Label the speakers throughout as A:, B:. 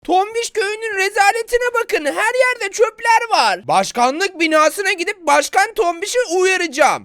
A: Tombiş köyünün rezaletine bakın. Her yerde çöpler var. Başkanlık binasına gidip Başkan Tombiş'i uyaracağım.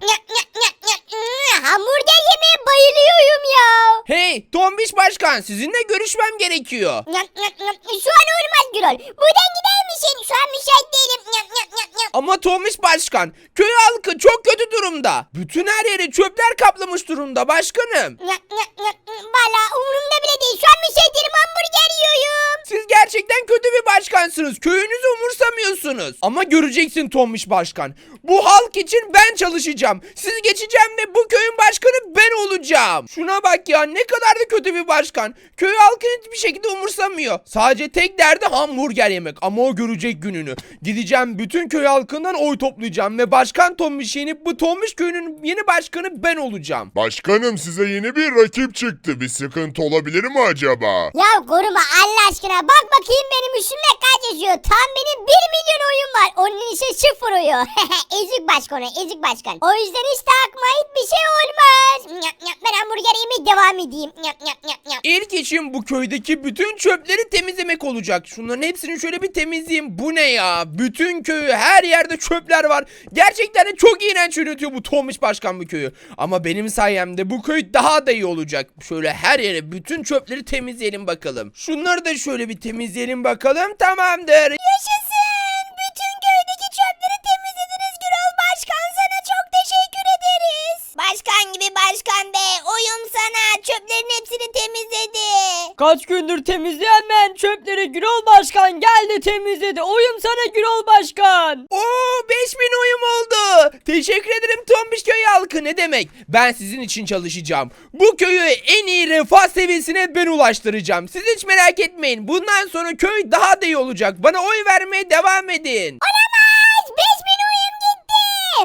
B: Hamburger yemeye bayılıyorum ya.
A: Hey Tombiş Başkan, sizinle görüşmem gerekiyor.
B: Şu an olmaz Gürol. Buradan gider misin? Şu an müsait değilim.
A: Ama Tombiş Başkan, köy halkı çok kötü durumda. Bütün her yeri çöpler kaplamış durumda başkanım.
B: Valla umurumda bile değil. Şu an müsait değilim, hamburger yiyorum.
A: Siz gerçekten kötü bir başkansınız. Köyünüzü umursamıyorsunuz. Ama göreceksin Tombiş Başkan. Bu halk için ben çalışacağım. Sizi geçeceğim ve bu köyün başkanı ben olacağım. Şuna bak ya, ne kadar da kötü bir başkan. Köy halkını hiçbir şekilde umursamıyor. Sadece tek derdi hamburger yemek. Ama o görecek gününü. Gideceğim, bütün köy halkından oy toplayacağım ve Başkan Tombiş'i yenip bu Tombiş köyünün yeni başkanı ben olacağım.
C: Başkanım, size yeni bir rakip çıktı. Bir sıkıntı olabilir mi acaba?
B: Ya koruma Allah aşkına. Bak bakayım benim üstümde kaç yazıyor. Tam benim 1 milyon oyun var. Onun ise 0 oyu. Ezik başkan, ezik başkan. O yüzden hiç takma, hiçbir şey olmaz. Ben hamburger yemeye devam edeyim.
A: İlk işim bu köydeki bütün çöpleri temizlemek olacak. Şunların hepsini şöyle bir temizleyeyim. Bu ne ya? Bütün köyü, her yerde çöpler var. Gerçekten de çok iğrenç yönetiyor bu Tombiş Başkan bu köyü. Ama benim sayemde bu köy daha da iyi olacak. Şöyle her yere bütün çöpleri temizleyelim bakalım. Şunları da şöyle bir temizleyelim bakalım. Tamamdır.
B: Yaşasın. Bütün köydeki çöpleri temizlediniz Gürol Başkan. Sana çok teşekkür ederiz. Başkan gibi başkan be. Oyum sana. Çöplerin hepsini temizledi.
D: Kaç gündür temizleyen ben çöpleri Gürol Başkan geldi temizledi. Oyum sana Gürol Başkan.
A: Oo, 5000 oyum oldu. Teşekkür ederim Tombiş köy halkı. Ne demek? Ben sizin için çalışacağım. Bu köyü en iyi refah seviyesine ben ulaştıracağım. Siz hiç merak etmeyin. Bundan sonra köy daha da iyi olacak. Bana oy vermeye devam edin.
B: Olamaz. 5000 oyum gitti.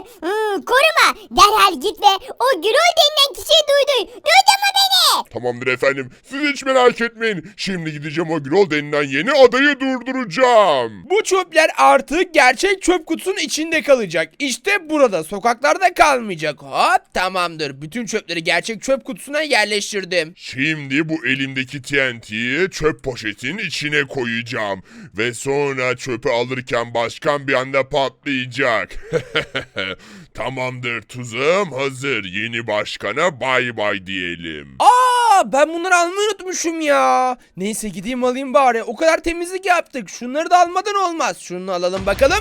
B: Koruma. Derhal git ve o Gürol denilen kişiyi duydur. Duydun mu beni?
C: Tamamdır efendim. Siz hiç merak etmeyin. Şimdi gideceğim, o Gürol denilen yeni adayı durduracağım.
A: Bu çöpler artık gerçek çöp kutusunun içinde kalacak. İşte burada, sokaklarda kalmayacak. Hop, tamamdır. Bütün çöpleri gerçek çöp kutusuna yerleştirdim.
C: Şimdi bu elimdeki TNT'yi çöp poşetinin içine koyacağım. Ve sonra çöpü alırken başkan bir anda patlayacak. Tamamdır, tuzağım hazır. Yeni başkana bay bay diyelim.
A: Ben bunları almayı unutmuşum ya. Neyse gideyim alayım bari. O kadar temizlik yaptık. Şunları da almadan olmaz. Şunu alalım bakalım.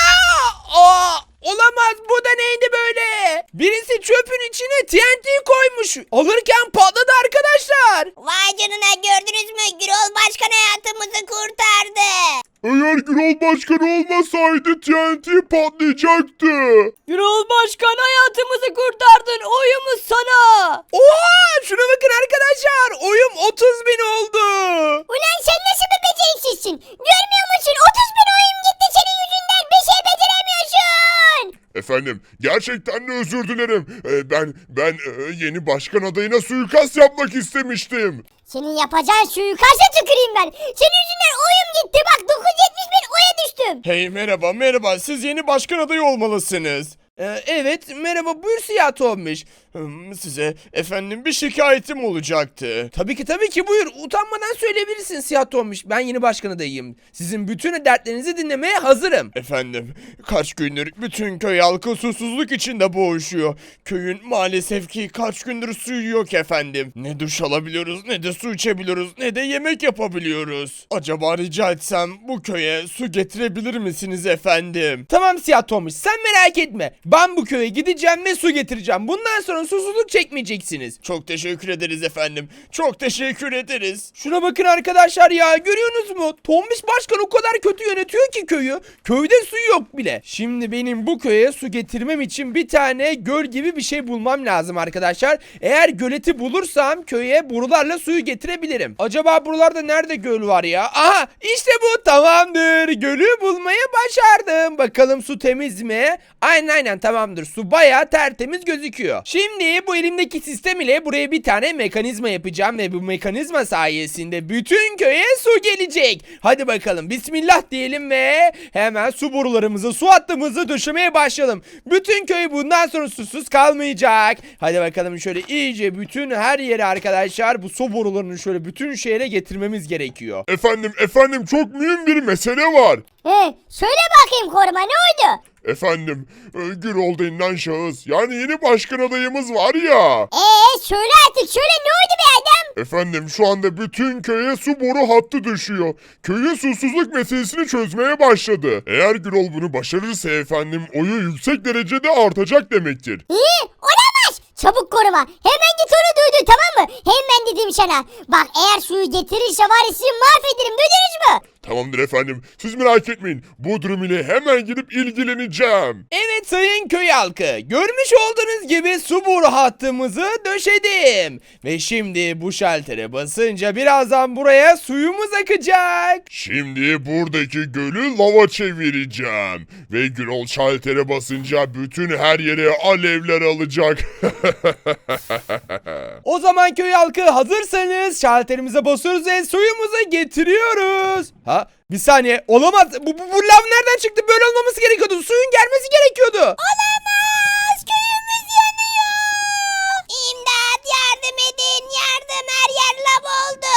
A: Olamaz, bu da neydi böyle? Birisi çöpün içine TNT koymuş. Alırken patladı arkadaşlar.
B: Vay canına, gördünüz mü? Gürol Başkan hayatımızı kurtardı.
C: Eğer Gürol başkan olmasaydı TNT patlayacaktı.
D: Gürol Başkan hayatımızı kurtardın. Oyumuz sana.
A: Oha, şuna bakın arkadaşlar. Oyum 30.000 oldu.
B: Ulan sen nasıl bir beceriksizsin? Görmüyor musun? 30.000 oyun gitti senin yüzünden. Bir şey beceremiyorsun.
C: Efendim, gerçekten de özür dilerim. Ben yeni başkan adayına suikast yapmak istemiştim.
B: Senin yapacağın suikasta tüküreyim ben. Senin yüzünden oyun gitti. Bak 970.000 oya düştüm.
A: Hey, merhaba, siz yeni başkan adayı olmalısınız. Evet, merhaba, buyur Siyah Tombiş. Size efendim bir şikayetim olacaktı. Tabii ki buyur, utanmadan söyleyebilirsin Siyah Tombiş. Ben yeni başkan adayıyım. Sizin bütün dertlerinizi dinlemeye hazırım. Efendim, kaç gündür bütün köy halkı susuzluk içinde boğuşuyor. Köyün maalesef ki kaç gündür suyu yok efendim. Ne duş alabiliyoruz, ne de su içebiliyoruz, ne de yemek yapabiliyoruz. Acaba rica etsem bu köye su getirebilir misiniz efendim? Tamam Siyah Tombiş, sen merak etme. Ben bu köye gideceğim ve su getireceğim. Bundan sonra susuzluk çekmeyeceksiniz. Çok teşekkür ederiz efendim. Çok teşekkür ederiz. Şuna bakın arkadaşlar ya, görüyorsunuz mu? Tombiş Başkan o kadar kötü yönetiyor ki köyü. Köyde su yok bile. Şimdi benim bu köye su getirmem için bir tane göl gibi bir şey bulmam lazım arkadaşlar. Eğer göleti bulursam köye borularla suyu getirebilirim. Acaba buralarda nerede göl var ya? Aha, işte bu, tamamdır. Gölü bulmayı başardım. Bakalım su temiz mi? Aynen tamamdır. Su bayağı tertemiz gözüküyor. Şimdi Şimdi bu elimdeki sistem ile buraya bir tane mekanizma yapacağım ve bu mekanizma sayesinde bütün köye su gelecek. Hadi bakalım bismillah diyelim ve hemen su borularımızı, su hattımızı döşemeye başlayalım. Bütün köy bundan sonra susuz kalmayacak. Hadi bakalım şöyle iyice bütün her yere arkadaşlar bu su borularını şöyle bütün şehre getirmemiz gerekiyor.
C: Efendim çok mühim bir mesele var.
B: Söyle bakayım koruma, ne oldu?
C: Efendim, Gürol denilen şahıs, yani yeni başkan adayımız var ya.
B: Söyle artık, söyle, ne oldu be adam?
C: Efendim şu anda bütün köye su boru hattı düşüyor. Köyün susuzluk meselesini çözmeye başladı. Eğer Gürol bunu başarırsa efendim oyu yüksek derecede artacak demektir.
B: Olamaz. Çabuk koruma. Hemen git onu duydur, tamam mı? Hemen dedim sana. Bak eğer suyu getirirse var ya sizi mahvederim, duydunuz mu?
C: Tamamdır efendim, siz merak etmeyin. Bu durum ile hemen gidip ilgileneceğim.
A: Evet sayın köy halkı, görmüş olduğunuz gibi su boru hattımızı döşedim. Ve şimdi bu şaltere basınca birazdan buraya suyumuz akacak.
C: Şimdi buradaki gölü lava çevireceğim. Ve Gürol şaltere basınca bütün her yere alevler alacak.
A: O zaman köy halkı hazırsanız şalterimize basıyoruz ve suyumuzu getiriyoruz. Ha? Bir saniye, olamaz. Bu lav nereden çıktı? Böyle olmaması gerekiyordu. Suyun gelmesi gerekiyordu.
B: Olamaz. Köyümüz yanıyor. İmdat, yardım edin. Yardım, her yer lav oldu.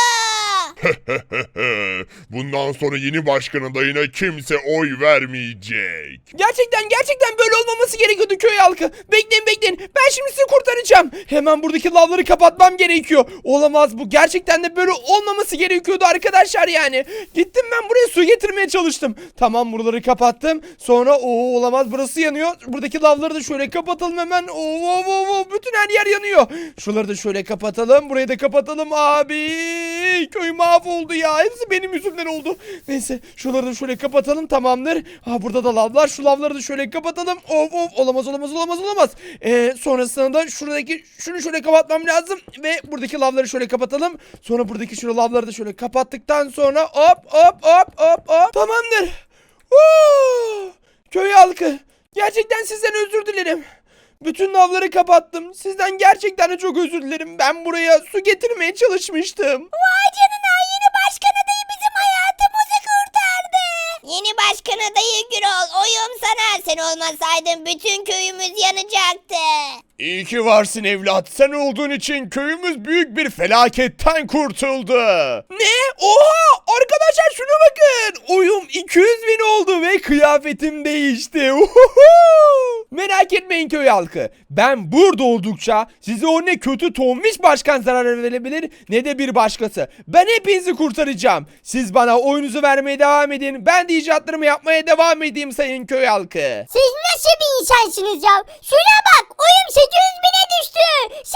C: Bundan sonra yeni başkan adayına kimse oy vermeyecek.
A: Gerçekten böyle olmaması gerekiyordu köy halkı. Bekleyin. Ben şimdi sizi kurtaracağım. Hemen buradaki lavları kapatmam gerekiyor. Olamaz, bu gerçekten de böyle olmaması gerekiyordu arkadaşlar yani. Gittim ben buraya su getirmeye çalıştım. Tamam, buraları kapattım. Sonra olamaz, burası yanıyor. Buradaki lavları da şöyle kapatalım hemen. Bütün her yer yanıyor. Şuraları da şöyle kapatalım. Burayı da kapatalım abi. Köy mahvoldu ya. Hepsi benim yüzümden oldu. Neyse, şuraları da şöyle kapatalım, tamamdır. Burada da lavlar. Şu lavları da şöyle kapatalım. Olamaz. Sonrasında da şunu şöyle kapatmam lazım. Ve buradaki lavları şöyle kapatalım. Sonra buradaki şu lavları da şöyle kapattıktan sonra hop. Tamamdır. Köy halkı, gerçekten sizden özür dilerim. Bütün lavları kapattım. Sizden gerçekten de çok özür dilerim. Ben buraya su getirmeye çalışmıştım.
B: Vay canına, yeni başkan adayı bizim hayatımızı kurtardı. Yeni başkan adayı Gürol, oyum sana. Sen olmasaydın bütün köyümüz yanacaktı.
A: İyi ki varsın evlat. Sen olduğun için köyümüz büyük bir felaketten kurtuldu. Ne? Oha! Arkadaşlar şuna bakın. Oyum 200.000 oldu ve kıyafetim değişti. Merak etmeyin köy halkı. Ben burada oldukça size o ne kötü tombiş başkan zarar verebilir ne de bir başkası. Ben hepinizi kurtaracağım. Siz bana oyunuzu vermeye devam edin. Ben de icatlarımı yapmaya devam edeyim sayın köy halkı.
B: Siz nasıl bir insansınız ya? Şuna bak, oyum 800.000'e düştü.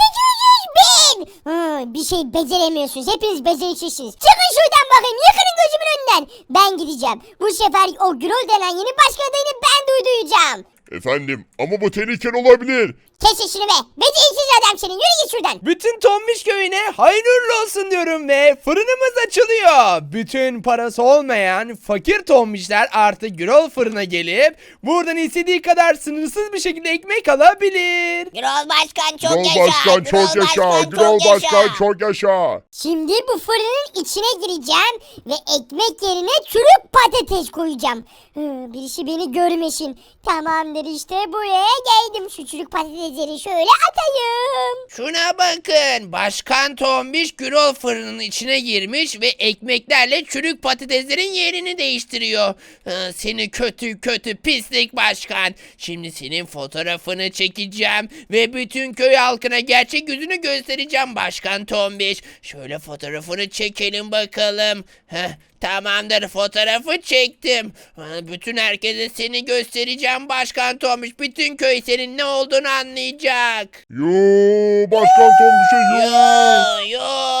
B: 800.000. Bir şey beceremiyorsunuz. Hepiniz beceriksizsiniz. Çıkın şuradan bakayım. Yıkılın gözümün önünden. Ben gideceğim. Bu sefer o Gürol denen yeni başkan adayını ben duyduracağım.
C: Efendim ama bu tehlikeli olabilir.
B: Kes işini be. Beceriksiz adam senin. Yürü git şuradan.
A: Bütün Tombiş köyüne hayırlı olsun diyorum ve fırınımız açılıyor. Bütün parası olmayan fakir Tombişler artık Gürol fırına gelip buradan istediği kadar sınırsız bir şekilde ekmek alabilir.
B: Gürol başkan çok
C: Gürol
B: yaşa.
C: başkan çok yaşa. Gürol başkan çok yaşa.
B: Şimdi bu fırının içine gireceğim ve ekmek yerine çürük patates koyacağım. Birisi beni görmesin. Tamamdır, işte buraya geldim. Şu çürük patatesleri şöyle atayım.
E: Şuna bakın. Başkan Tombiş Gürol fırının içine girmiş ve ekmeklerle çürük patateslerin yerini değiştiriyor. Seni kötü pislik başkan. Şimdi senin fotoğrafını çekeceğim ve bütün köy halkına gerçek yüzünü göstereceğim başkan Tombiş. Şöyle fotoğrafını çekelim bakalım. Tamamdır, fotoğrafı çektim. Bütün herkese seni göstereceğim başkan Tombiş. Bütün köy senin ne olduğunu anlayacak.
C: Yo başkan Tom bir şey yo.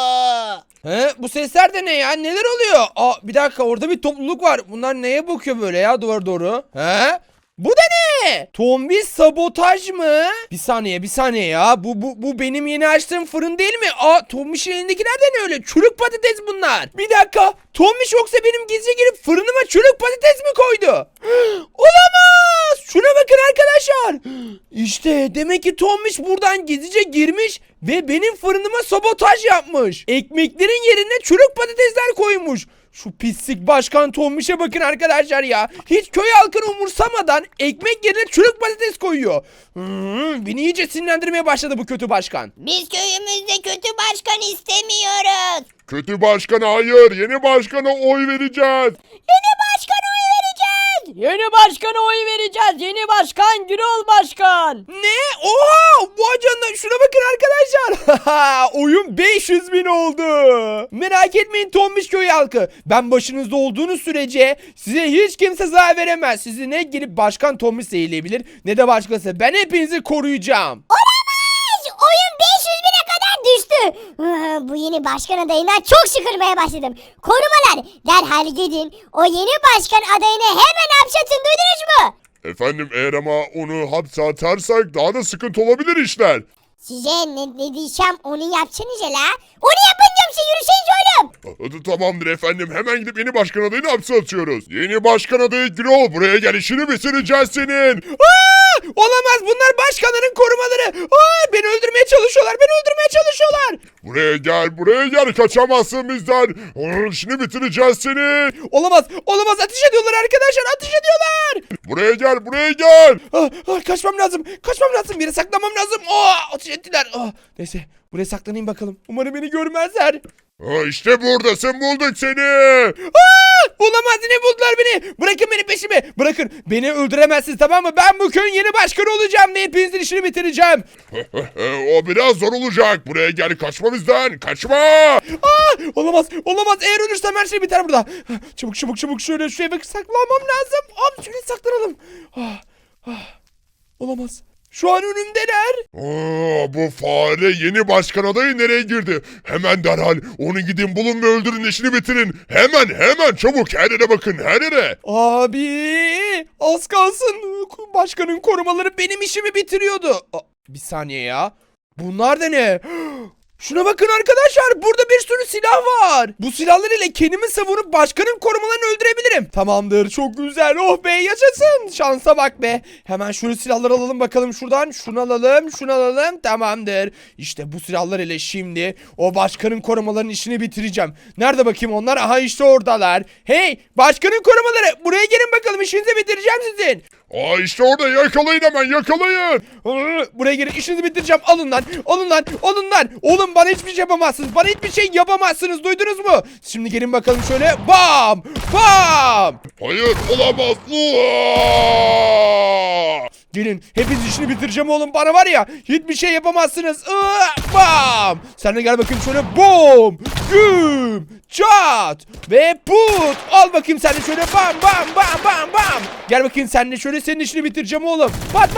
E: Yo.
A: Bu sesler de ne ya? Neler oluyor? Bir dakika, orada bir topluluk var. Bunlar neye bakıyor böyle ya duvara doğru? Bu da ne? Tombiş sabotaj mı? Bir saniye ya. Bu benim yeni açtığım fırın değil mi? Tombiş'in elindekiler de ne öyle? Çürük patates bunlar. Bir dakika. Tombiş yoksa benim gizli girip fırınıma çürük patates mi koydu? Olamaz. Şuna bakın arkadaşlar. İşte demek ki Tombiş buradan gizlice girmiş ve benim fırınıma sabotaj yapmış. Ekmeklerin yerine çürük patatesler koymuş. Şu pislik başkan Tombiş'e bakın arkadaşlar ya. Hiç köy halkını umursamadan ekmek yerine çürük patates koyuyor. Beni iyice sinirlendirmeye başladı bu kötü başkan.
B: Biz köyümüzde kötü başkan istemiyoruz.
C: Kötü başkan hayır. Yeni başkana oy vereceğiz.
B: Yeni başkana oy vereceğiz.
D: Yeni başkana oy vereceğiz. Yeni başkan Gürol Başkan.
A: Ne? Oha! Bu canına şuna bakın arkadaşlar. Oyun 500.000 oldu. Merak etmeyin Tombiş köy halkı. Ben başınızda olduğunuz sürece size hiç kimse zarar veremez. Sizi ne gelip başkan Tombiş zehirleyebilir ne de başkası. Ben hepinizi koruyacağım.
B: Olamaz. Oyun 500.000'e kadar düştü. Bu yeni başkan adayından çok sıkılmaya başladım. Korumalar derhal gidin. O yeni başkan adayını hemen hapşatın, duydunuz mu?
C: Efendim eğer ama onu hapse atarsak daha da sıkıntı olabilir işler.
B: Size ne diyeceğim onu yapacaksınız la. Onu yapın diyorum size, yürüseniz oğlum.
C: Tamamdır efendim. Hemen gidip yeni başkan adayını hapse atıyoruz. Yeni başkan adayı Gürol. Buraya gel, işini bitireceğiz senin.
A: Olamaz, bunlar başkanların korumaları. Beni öldürmeye çalışıyorlar.
C: Buraya gel. Kaçamazsın bizden. İşini bitireceğiz seni.
A: Olamaz. Ateş ediyorlar arkadaşlar.
C: Buraya gel.
A: Kaçmam lazım. Bir yere saklanmam lazım. Ateş ettiler. Neyse, buraya saklanayım bakalım. Umarım beni görmezler.
C: İşte buradasın, bulduk seni.
A: Olamaz, yine buldular beni. Bırakın beni peşime. Bırakın. Beni öldüremezsiniz, tamam mı? Ben bu köyün yeni başkanı olacağım ve hepinizin işini bitireceğim.
C: O biraz zor olacak. Buraya gel, kaçma bizden. Kaçma.
A: Olamaz. Eğer ölürsem her şey biter burada. Çabuk şöyle şuraya bak, saklanmam lazım. Hop, şöyle saklanalım. Olamaz. Şu an önümdeler.
C: Bu fare yeni başkan adayı nereye girdi? Hemen derhal onu gidin bulun ve öldürün, işini bitirin. Hemen çabuk, her yere bakın, her yere.
A: Abi, az kalsın. Başkanın korumaları benim işimi bitiriyordu. Bir saniye ya. Bunlar da ne? Şuna bakın arkadaşlar, burada bir sürü silah var. Bu silahlar ile kendimi savunup başkanın korumalarını öldürebilirim. Tamamdır, çok güzel. Oh be, yaşasın. Şansa bak be. Hemen şu silahları alalım bakalım şuradan. Şunu alalım. Tamamdır. İşte bu silahlar ile şimdi o başkanın korumalarının işini bitireceğim. Nerede bakayım onlar? Aha, işte oradalar. Hey, başkanın korumaları, buraya gelin bakalım, işinizi bitireceğim sizin.
C: İşte orada, yakalayın, hemen yakalayın.
A: Buraya gelin, işinizi bitireceğim. Alın lan. Oğlum, bana hiçbir şey yapamazsınız. Duydunuz mu? Şimdi gelin bakalım şöyle. Bam.
C: Hayır, olamaz.
A: Gelin, hepiniz işini bitireceğim oğlum. Bana var ya, hiçbir şey yapamazsınız. Bam. Sen de gel bakayım şöyle. Bom. Güm. Çat. Ve put. Al bakayım sen de şöyle. Bam. Gel bakayım sen de şöyle, senin işini bitireceğim oğlum. Pat.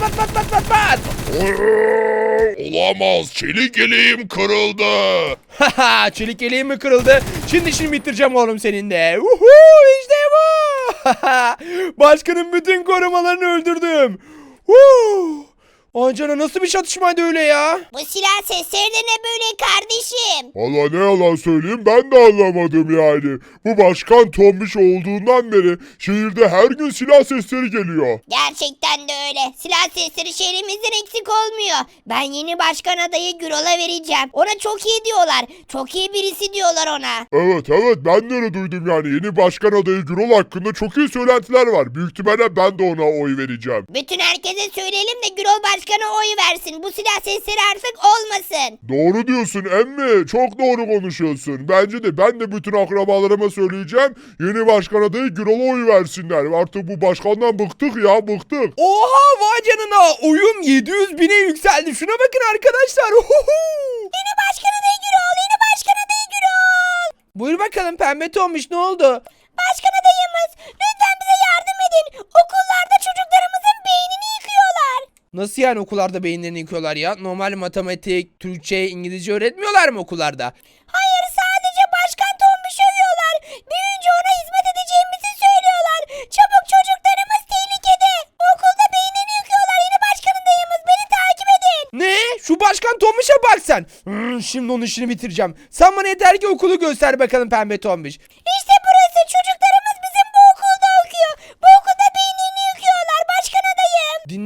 C: Olamaz, çelik yeleğim kırıldı.
A: Haha, çelik yeleğim mi kırıldı? Şimdi işini bitireceğim oğlum senin de. İşte bu. Başkanın bütün korumalarını öldürdüm. Ay canına, nasıl bir çatışmaydı öyle ya?
B: Bu silah sesleri de ne böyle kardeşim?
C: Valla ne yalan söyleyeyim, ben de anlamadım yani. Bu başkan Tombiş olduğundan beri şehirde her gün silah sesleri geliyor.
B: Gerçekten de öyle. Silah sesleri şehrimizden eksik olmuyor. Ben yeni başkan adayı Gürol'a vereceğim. Ona çok iyi diyorlar. Çok iyi birisi diyorlar ona.
C: Evet, ben de öyle duydum yani. Yeni başkan adayı Gürol hakkında çok iyi söylentiler var. Büyük ihtimalle ben de ona oy vereceğim.
B: Bütün herkese söyleyelim de Gürol başkana oy versin. Bu silah sesleri artık olmasın.
C: Doğru diyorsun emmi. Çok doğru konuşuyorsun. Bence de ben de bütün akrabalarıma söyleyeceğim. Yeni başkan adayı Gürol'a oy versinler. Artık bu başkandan bıktık.
A: Oha, vay canına, oyun 700.000'e yükseldi. Şuna bakın arkadaşlar.
B: Yeni başkan adayı Gürol.
A: Buyur bakalım pembe Tombiş, ne oldu?
B: Başkan adayımız, lütfen bize yardım edin. Okullarda çocuklarımızın beynini yıkıyorlar.
A: Nasıl yani okullarda beyinlerini yıkıyorlar ya? Normal matematik, Türkçe, İngilizce öğretmiyorlar mı okullarda?
B: Hayır, sadece başkan Tombiş'i övüyorlar. Büyüyünce ona hizmet edeceğimizi söylüyorlar. Çabuk, çocuklarımız tehlikede. Okulda beynini yıkıyorlar. Yeni başkan adayımız, beni takip edin.
A: Ne? Şu başkan Tombiş'e bak sen. Şimdi onun işini bitireceğim. Sen bana yeter ki okulu göster bakalım pembe Tombiş.
B: İşte burası, çocuklarımız bizim bu okulda okuyor. Bu okulda beynini yıkıyorlar başkan adayım.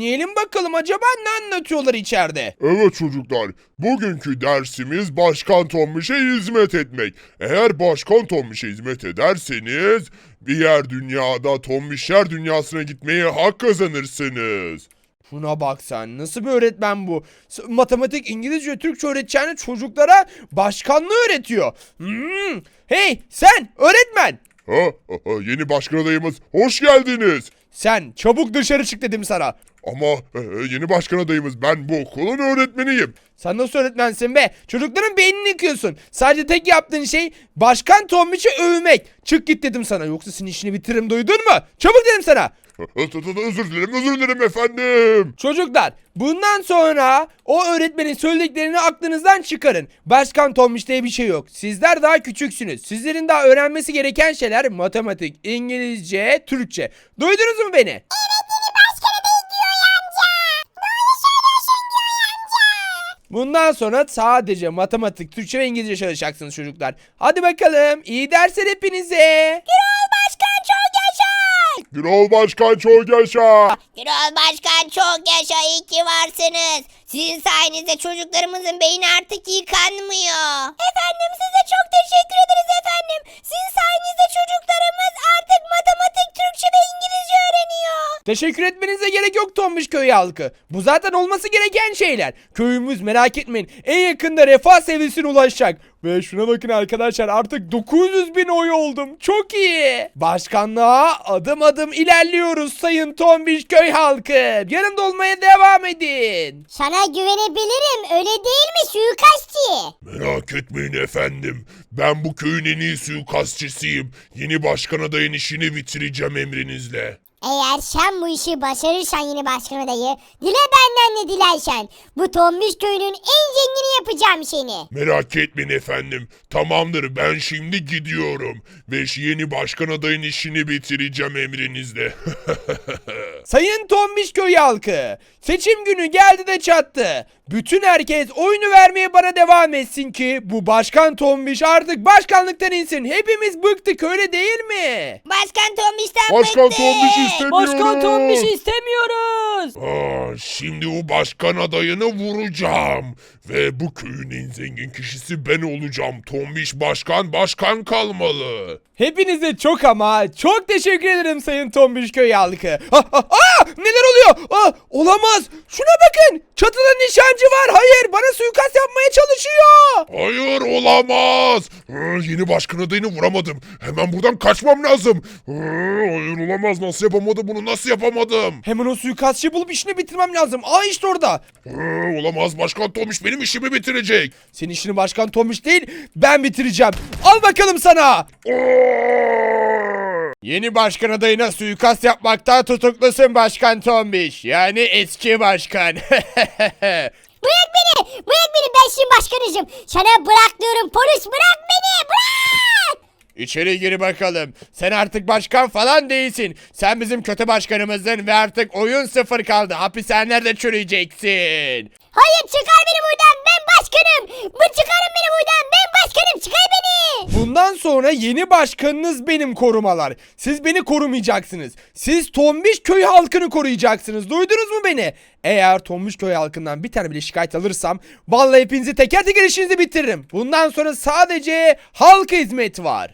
A: bakalım acaba ne anlatıyorlar içeride?
C: Evet çocuklar, bugünkü dersimiz Başkan Tombiş'e hizmet etmek. Eğer Başkan Tombiş'e hizmet ederseniz diğer dünyada Tombişler dünyasına gitmeye hak kazanırsınız.
A: Şuna bak sen, nasıl bir öğretmen bu? Matematik, İngilizce, Türkçe öğreteceğini çocuklara başkanlığı öğretiyor. Hey sen öğretmen!
C: Yeni başkan adayımız, hoş geldiniz.
A: Sen çabuk dışarı çık dedim sana.
C: Ama yeni başkan adayımız, ben bu okulun öğretmeniyim.
A: Sen nasıl öğretmensin be? Çocukların beynini yıkıyorsun. Sadece tek yaptığın şey Başkan Tombiş'i övmek. Çık git dedim sana, yoksa senin işini bitiririm, duydun mu? Çabuk dedim sana.
C: Özür dilerim efendim.
A: Çocuklar, bundan sonra o öğretmenin söylediklerini aklınızdan çıkarın. Başkan Tombiş diye bir şey yok. Sizler daha küçüksünüz. Sizlerin daha öğrenmesi gereken şeyler matematik, İngilizce, Türkçe. Duydunuz mu beni? Bundan sonra sadece matematik, Türkçe ve İngilizce çalışacaksınız çocuklar. Hadi bakalım, iyi dersler hepinize.
C: Gürol Başkan çok yaşa.
B: Gürol Başkan çok yaşa, iyi ki varsınız. Sizin sayenizde çocuklarımızın beyni artık yıkanmıyor. Efendim size çok teşekkür ederiz efendim. Sizin sayenizde çocuklarımız artık matematik, Türkçe ve İngilizce öğreniyor.
A: Teşekkür etmenize gerek yok Tombiş köy halkı. Bu zaten olması gereken şeyler. Köyümüz, merak etmeyin, en yakında refah seviyesine ulaşacak. Ve şuna bakın arkadaşlar, artık 900.000 oy oldum. Çok iyi. Başkanlığa adım adım ilerliyoruz sayın Tombiş köy halkı. Yanımda olmaya devam edin.
B: Sana güvenebilirim, öyle değil mi suikastçı?
C: Merak etmeyin efendim. Ben bu köyün en iyi suikastçısıyım. Yeni başkan adayın işini bitireceğim emrinizle.
B: Eğer sen bu işi başarırsan yeni başkan adayı, dile benden ne dilersen. Bu Tombiş köyünün en zengini yapacağım seni.
C: Merak etmeyin efendim. Tamamdır, ben şimdi gidiyorum. Ve yeni başkan adayın işini bitireceğim emrinizle.
A: Sayın Tombiş köy halkı, seçim günü geldi de çattı. Bütün herkes oyunu vermeye bana devam etsin ki bu Başkan Tombiş artık başkanlıktan insin. Hepimiz bıktık, öyle değil mi?
B: Başkan Tombiş'ten
C: Başkan
B: bıktık.
C: Tombiş istemiyorum.
D: Başkan Tombiş'i istemiyoruz.
C: Şimdi o başkan adayını vuracağım. Ve bu köyün en zengin kişisi ben olacağım. Tombiş başkan kalmalı.
A: Hepinize çok ama çok teşekkür ederim sayın Tombiş köy halkı. Neler oluyor? Olamaz. Şuna bakın. Çatıda nişancı var. Hayır, bana suikast yapmaya çalışıyor.
C: Hayır, olamaz. Yeni başkan adayını vuramadım. Hemen buradan kaçmam lazım. Hayır, olamaz. Nasıl yapamadım bunu? Nasıl yapamadım?
A: Hemen o suikastçıyı bulup işini bitirmem lazım. İşte orada.
C: Olamaz. Başkan Tombiş benim işimi bitirecek.
A: Senin işini Başkan Tombiş değil, ben bitireceğim. Al bakalım sana. Yeni başkan adayına suikast yapmakta tutuklusun Başkan Tombiş. Yani eski başkan.
B: Bırak beni, ben şimdi başkanızım. Sana bırak diyorum, polis bırak beni, bırak.
A: İçeri gir bakalım. Sen artık başkan falan değilsin. Sen bizim kötü başkanımızdın ve artık oyun sıfır kaldı. Hapishanelerde çürüyeceksin.
B: Hayır, çıkar beni buradan, ben başkanım. Çıkarın beni buradan, ben başkanım, çıkar beni.
A: Bundan sonra yeni başkanınız benim, korumalar. Siz beni korumayacaksınız. Siz Tombiş köy halkını koruyacaksınız. Duydunuz mu beni? Eğer Tombiş köy halkından bir tane bile şikayet alırsam vallahi hepinizi teker teker işinizi bitiririm. Bundan sonra sadece halka hizmet var.